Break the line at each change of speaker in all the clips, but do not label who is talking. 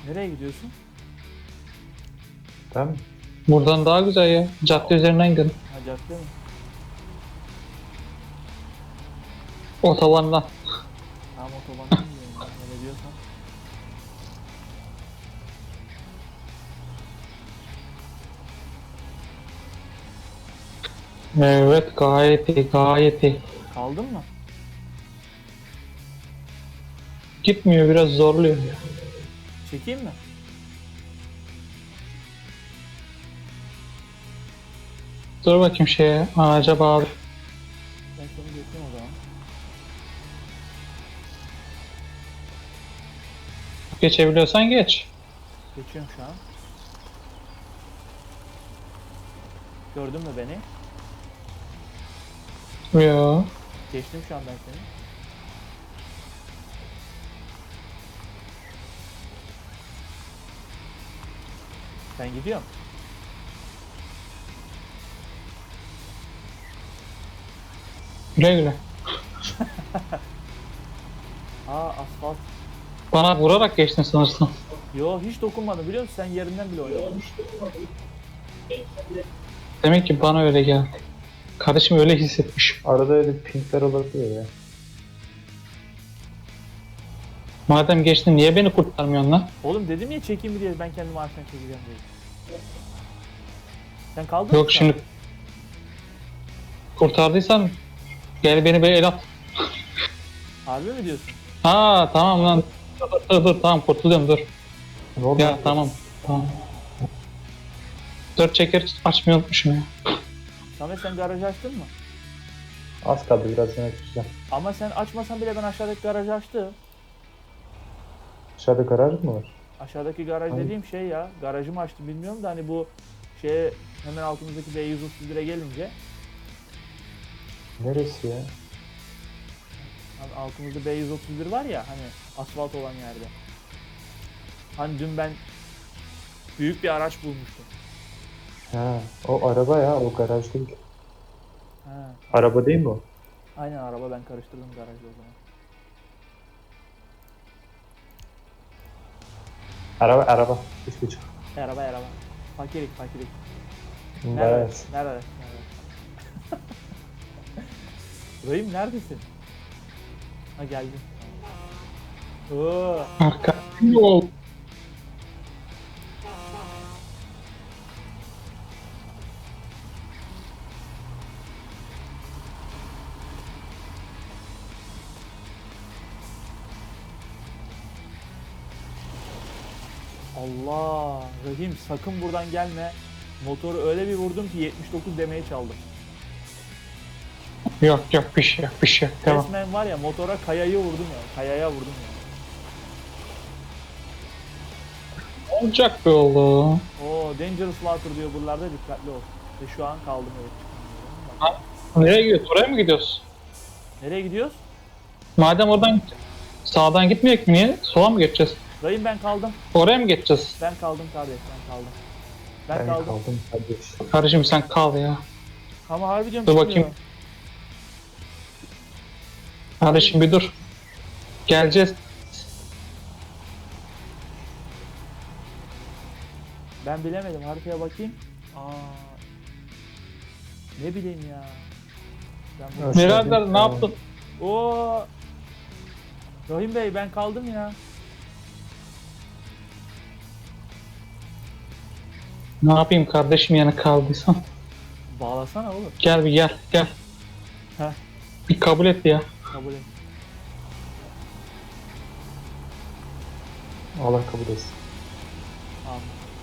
Nereye gidiyorsun?
Tamam mı?
Buradan daha güzel ya. Cadde üzerinden gidelim.
Ha, cadde mi?
Otobandan.
Tamam, otobandan gidiyorum ya. Öyle diyorsan.
Evet, gayet iyi, gayet iyi.
Kaldın mı?
Gitmiyor, biraz zorluyor.
Çekeyim mi?
Dur bakayım şeye, ağaca bağlı.
Ben seni geçeyim o zaman.
Geçebiliyorsan geç.
Geçiyorum şu an. Gördün mü beni?
Yo.
Geçtim şu an ben seni. Ben gidiyorum.
Güle güle.
Aa, asfalt.
Bana vurarak geçtin sanırsın.
Yo, hiç dokunmadım biliyor musun? Sen yerinden bile oynadın.
Demek ki bana öyle geldi. Kardeşim öyle hissetmiş.
Arada öyle pinkler olabiliyor ya.
Madem geçtin niye beni kurtarmıyorsun lan?
Oğlum dedim ya çekeyim mi diye, ben kendimi ağaçtan çekeceğim diye. Sen kaldın
Yok
mı şu
şimdi
an?
kurtardıysan gel beni bir el at.
Harbi mi diyorsun?
Ha tamam lan. Dur tamam kurtuluyorum dur.
Ne oldu?
Ya tamam. Dört çeker açmayı unutmuşum ya.
Samet, sen garajı açtın mı?
Az kaldı, biraz yana çıkacağım.
Ama sen açmasan bile ben aşağıdaki garajı açtım.
Dışarıda garaj mı var?
Aşağıdaki garaj
Hangi?
dediğim şey ya. Garajımı açtım bilmiyorum da hani bu şeye hemen altımızdaki B131'e gelince.
Neresi ya?
Hani altımızda B131 var ya, hani asfalt olan yerde. Hani dün ben büyük bir araç bulmuştum.
Ha, o araba ya, o garaj değil.
Ha,
Araba değil mi o?
aynen araba, ben karıştırdım garajla o zaman.
Araba. Üç buçuk.
Araba. Fakirik.
Evet.
Nerede? Rahim neredesin? Ha, geldim. Oo,
Arka. Yol.
Allah, Rahim sakın buradan gelme. Motoru öyle bir vurdum ki 79 demeye çaldım.
Yok bir şey yok bir şey yok. Tamam.
Resmen var ya, motora kayayı vurdum ya. Kayaya vurdum ya.
Olacak be oğlum.
Oo, Dangerous Water diyor buralarda, dikkatli ol. Ve şu an kaldım, evet. Bak.
Nereye gidiyoruz? Oraya mı gidiyoruz?
Nereye gidiyoruz?
Madem oradan sağdan gitmeyecek mi niye? Sola mı geçeceğiz?
Rahim ben kaldım.
Oraya mı geçeceğiz?
Ben kaldım kardeş, ben kaldım. Ben
Ben
kaldım.
kaldım kardeş.
Kardeşim sen kal ya.
Ama harbi diyorum,
Dur
çıkmıyor.
bakayım. Kardeşim bir dur. Geleceğiz.
Ben bilemedim, haritaya bakayım. Aa, ne bileyim ya. Ben bu-
Evet.
Birader ne yaptın?
Oo, Rahim Bey, ben kaldım ya.
Ne yapayım kardeşim yani kaldıysan?
Bağlasana oğlum.
Gel bir gel.
Heh.
Bir kabul et ya.
Kabul et.
Allah kabul etsin.
Tamam.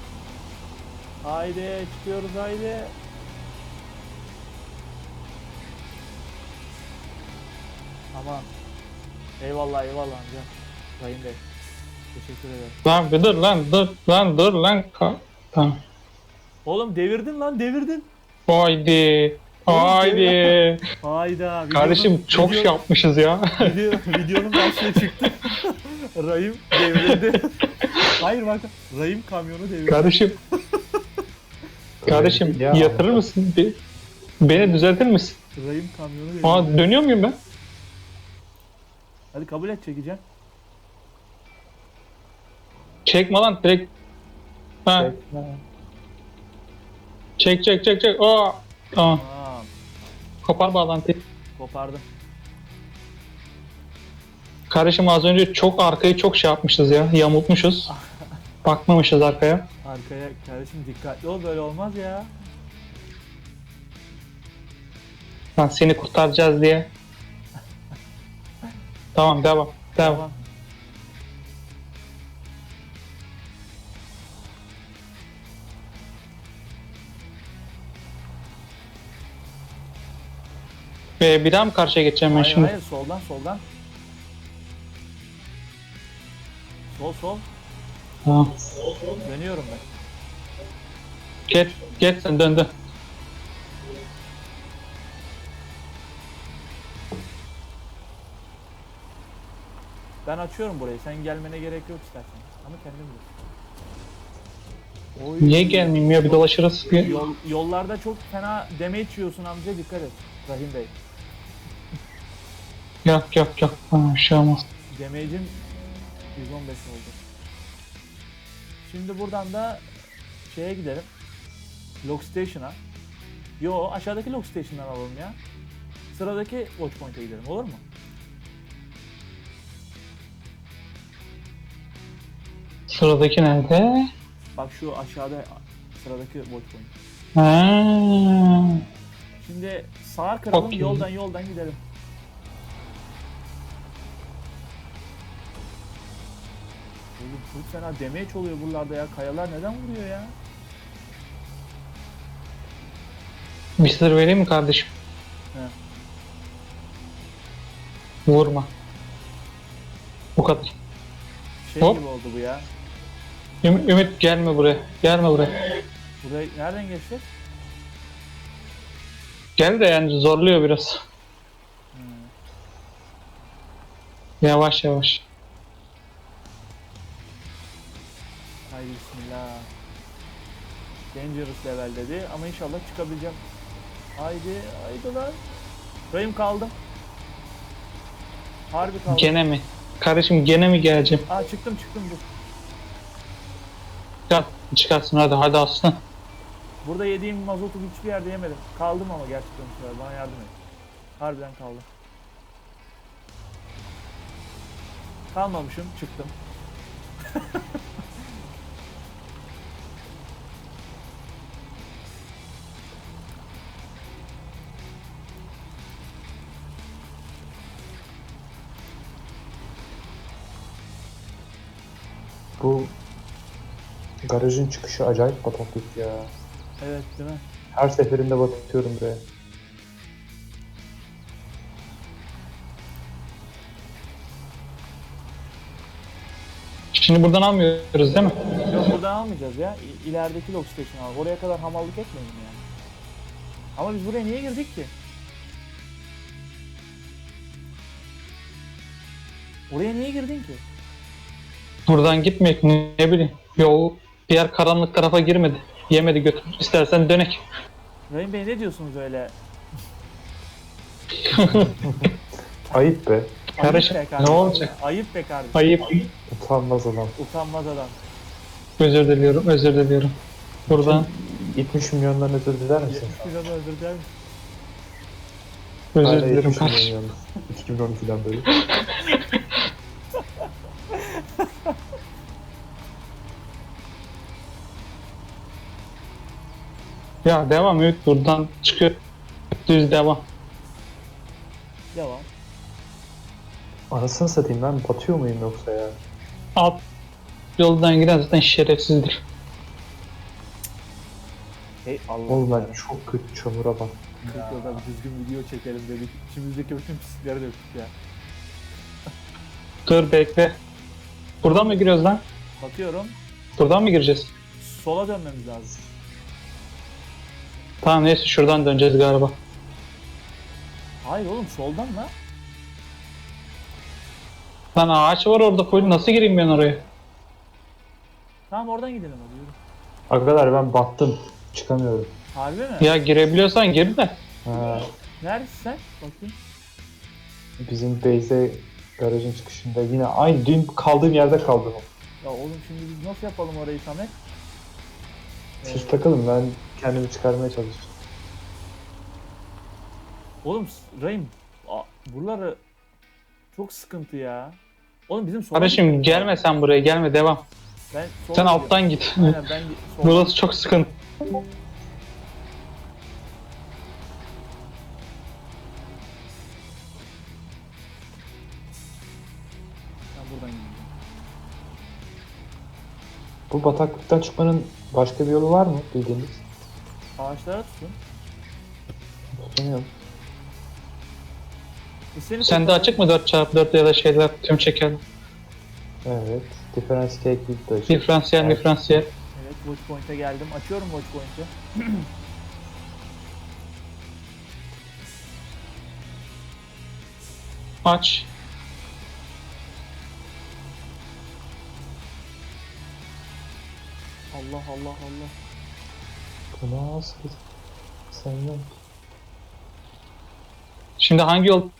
Haydi çıkıyoruz, haydi. Aman. Eyvallah amca. Rahim Bey. Teşekkür ederim.
Lan bir dur lan. Tamam.
Oğlum devirdin lan, devirdin.
Haydi.
Hayda.
Kardeşim çok şey yapmışız ya.
Videonun başlığı çıktı. Rahim devrildi. Hayır bak, Rahim kamyonu devirdi.
Kardeşim
Ya,
yatırır mısın? Beni düzeltir misin?
Rahim kamyonu devirdi.
Aa dönüyor muyum ben?
Hadi kabul et, çekeceğim.
Çekme lan direkt. Ha, çek. Aa. Tamam.
Tamam.
Kopar bağlantıyı.
Kopardım.
Kardeşim az önce çok arkayı çok şey yapmışız ya. Yamultmuşuz. Bakmamışız arkaya.
Arkaya kardeşim dikkatli ol, böyle olmaz ya.
Lan seni kurtaracağız diye. Tamam devam.
Tamam.
Bir daha mı karşıya geçeceğim ben
Hayır
şimdi?
hayır, soldan. Sol.
Tamam.
Dönüyorum ben.
Geç sen döndü.
Ben açıyorum burayı. Sen gelmene gerek yok istersen. Ama kendim bil. Oy.
Niye gelmeyeyim ya bir dolaşırız.
Yollarda çok fena damage yiyorsun amca, dikkat et. Rahim Bey.
Yok. Ha, bir şey olmaz.
Damage'im 115 oldu. Şimdi buradan da şeye gidelim. Log Station'a. Yo, aşağıdaki Log Station'dan alalım ya. Sıradaki Watch Point'e gidelim, olur mu?
Sıradaki nerede?
Bak şu aşağıda sıradaki Watch Point.
Ha.
Şimdi sağa kıralım,
Okey.
yoldan gidelim. Oğlum çok fena damage oluyor buralarda ya. Kayalar neden vuruyor ya?
Bir sır vereyim mi kardeşim?
He.
Vurma. Bu kadar.
Şey
Hop.
gibi oldu bu ya.
Ümit gelme buraya.
Buraya nereden geçeceğiz?
Gel de yani zorluyor biraz. Yavaş.
Haydi bismillah. Dangerous level dedi ama inşallah çıkabileceğim. Haydi lan. Rahim kaldım. Harbi kaldım.
Gene mi? Kardeşim gene mi geleceğim?
Aa, çıktım dur.
Çıkarsın hadi aslan.
Burada yediğim mazotu hiçbir yerde yemedim. Kaldım ama gerçekten bu sefer. Bana yardım et. Harbiden kaldım. Kalmamışım, çıktım.
Bu garajın çıkışı acayip bataklık ya.
Evet, değil mi?
Her seferinde batıyorum buraya.
Şimdi buradan almıyoruz değil mi?
Yok, buradan almayacağız ya. İlerideki log station al. Oraya kadar hamallık etmeyin yani. Ama biz buraya niye girdik ki? Oraya niye girdin ki?
Buradan gitmek ne bileyim. Yol diğer karanlık tarafa girmedi. Yemedi götür. İstersen dönek.
Rahim Bey, ne diyorsunuz öyle?
Ayıp be.
Kardeşim,
Ayıp be
ne
kardeşim.
olacak?
Ayıp be kardeşim.
Ayıp.
Utanmaz adam.
Utanmaz adam.
Özür diliyorum. Buradan
70 milyondan özür diler misin?
70 milyon özür dilerim.
özür
Hala
dilerim
70
kardeşim.
milyon yalnız. 2012'den beri.
Ya devam Ümit buradan çıkıyor. Düz devam.
Devam.
Anasını satayım, ben batıyor muyum yoksa ya?
Alt yoldan giden zaten şerefsizdir.
Hey Allah.
Oğlum
ya.
ben çok kötü çamura bak.
40 yılda bir düzgün video çekelim dedik. İçimizdeki bütün pislikleri döktük ya.
Dur bekle. Buradan mı giriyoruz lan?
Bakıyorum.
Buradan mı gireceğiz?
Sola dönmemiz lazım.
Tamam neyse şuradan döneceğiz galiba.
Hayır oğlum, soldan la.
Lan ağaç var orada full, nasıl gireyim ben oraya?
Tamam, oradan gidelim hadi, yürü.
Arkadaşlar ben battım. Çıkamıyorum.
Harbi mi?
Ya girebiliyorsan gir de.
Ha,
Neredesin sen? Bakayım.
bizim base'e garajın çıkışında yine aynı dün kaldığım yerde kaldım.
Ya oğlum şimdi biz nasıl yapalım orayı Samet?
Siz takılın, ben kendimi çıkarmaya çalışacağım.
Oğlum Rahim, buraları çok sıkıntı ya. Oğlum bizim sola
Kardeşim
gitmemiz
gelme
lazım.
sen buraya, gelme, devam.
Ben sola
Sen
gidiyorum.
alttan git.
Aynen ben sola.
Burası çok sıkıntı.
Ben buradan gideceğim.
Bu bataklıktan çıkmanın başka bir yolu var mı bildiğiniz?
Ağaçlara tutun.
Bilmiyorum.
Biz seni
Sende
kurtaralım.
açık mı 4x4 ya da şeyler, tüm çeker?
Evet. Differentiate de açık.
Diferansiyel,
Evet.
diferansiyel.
Evet, watch point'e geldim. Açıyorum watch point'i.
Aç.
Allah Allah Allah.
Bu nasıl? Sen yok.
Şimdi hangi yol